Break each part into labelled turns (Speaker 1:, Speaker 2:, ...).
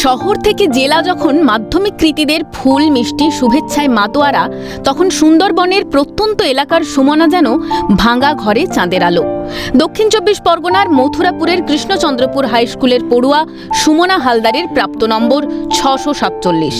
Speaker 1: শহর থেকে জেলা যখন মাধ্যমিক কৃতীদের ফুল মিষ্টি শুভেচ্ছায় মাতোয়ারা, তখন সুন্দরবনের প্রত্যন্ত এলাকার সুমনা যেন ভাঙা ঘরে চাঁদের আলো। দক্ষিণ ২৪ পরগনার মথুরাপুরের কৃষ্ণচন্দ্রপুর হাই স্কুলের পড়ুয়া সুমনা হালদারের প্রাপ্ত নম্বর ৬৪৭।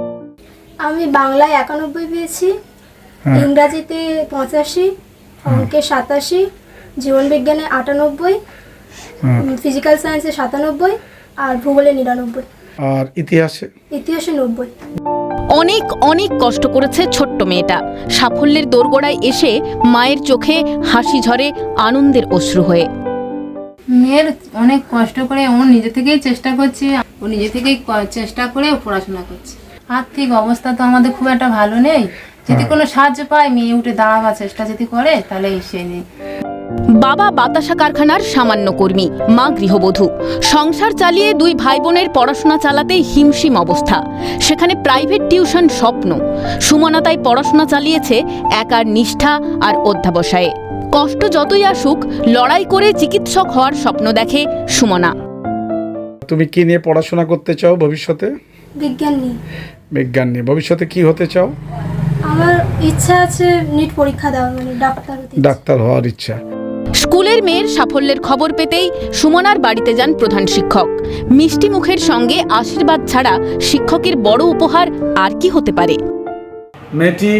Speaker 2: আমি বাংলায় ৯১ পেয়েছি, ইংরাজিতে ৮৫, অঙ্কে ৮৭, জীবনবিজ্ঞানে ৯৮, ফিজিক্যাল সায়েন্সে ৯৭ আর ভূগোলে ৯৯। আর ইতিহাসে ৯০।
Speaker 1: অনেক অনেক কষ্ট করেছে ছোট্ট মেয়েটা। সাফল্যের দোরগোড়ায় এসে মায়ের চোখে হাসি ঝরে আনন্দের অশ্রু হয়ে।
Speaker 3: মেয়ের অনেক কষ্ট করে ও নিজে থেকেই চেষ্টা করছে, ও নিজে থেকেই চেষ্টা করে ও পড়াশোনা করছে। আর্থিক অবস্থা তো আমাদের খুব একটা ভালো নেই, যদি কোনো সাহায্য পায় মেয়ে উঠে দাঁড়াবার চেষ্টা যদি করে তাহলে এসে নেই।
Speaker 1: বাবা বাতাসা কারখানার সামান্য কর্মী, মা গৃহবধূ। সংসার চালিয়ে দুই ভাই বোনের পড়াশোনা চালাতে হিমশিম অবস্থা। সেখানে প্রাইভেট টিউশন স্বপ্ন। সুমনা তাই পড়াশোনা চালিয়েছে একার নিষ্ঠা আর অধ্যাবসায়ে। কষ্ট যতই আসুক, লড়াই করে চিকিৎসক হওয়ার স্বপ্ন দেখে সুমনা।
Speaker 4: তুমি কি নিয়ে পড়াশোনা করতে চাও ভবিষ্যতে?
Speaker 2: বিজ্ঞান নিয়ে।
Speaker 4: বিজ্ঞান নিয়ে। ভবিষ্যতে কি হতে চাও?
Speaker 2: আমার ইচ্ছা আছে নিট পরীক্ষা দেওয়ার, মানে
Speaker 4: ডাক্তার হওয়ার ইচ্ছা।
Speaker 1: স্কুলের মেয়ের সাফল্যের খবর পেতেই সুমনার বাড়িতে যান প্রধান শিক্ষক। মিষ্টি মুখের সঙ্গে আশীর্বাদ ছাড়া শিক্ষকের বড় উপহার আর কি হতে পারে?
Speaker 4: মেয়েটি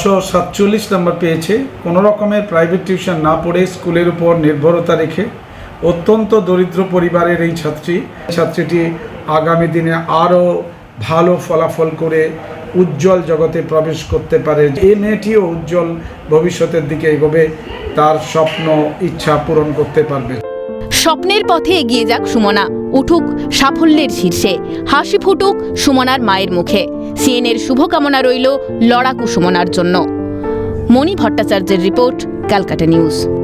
Speaker 4: ৬৪৭ নম্বর পেয়েছে। কোনো রকমের প্রাইভেট টিউশন না পড়ে স্কুলের উপর নির্ভরতা রেখে অত্যন্ত দরিদ্র পরিবারের এই ছাত্রীটি আগামী দিনে আরও ভালো ফলাফল করে উজ্জ্বল জগতে প্রবেশ করতে পারে। এই মেয়েটিও উজ্জ্বল ভবিষ্যতের দিকে এগোবে, তার স্বপ্ন ইচ্ছা পূরণ করতে পারবে।
Speaker 1: স্বপ্নের পথে এগিয়ে যাক সুমনা, উঠুক সাফল্যের শীর্ষে, হাসি ফুটুক সুমনার মায়ের মুখে। সিএনএর শুভকামনা রইল লড়াকু সুমনার জন্য। মণি ভট্টাচার্যের রিপোর্ট, ক্যালকাটা নিউজ।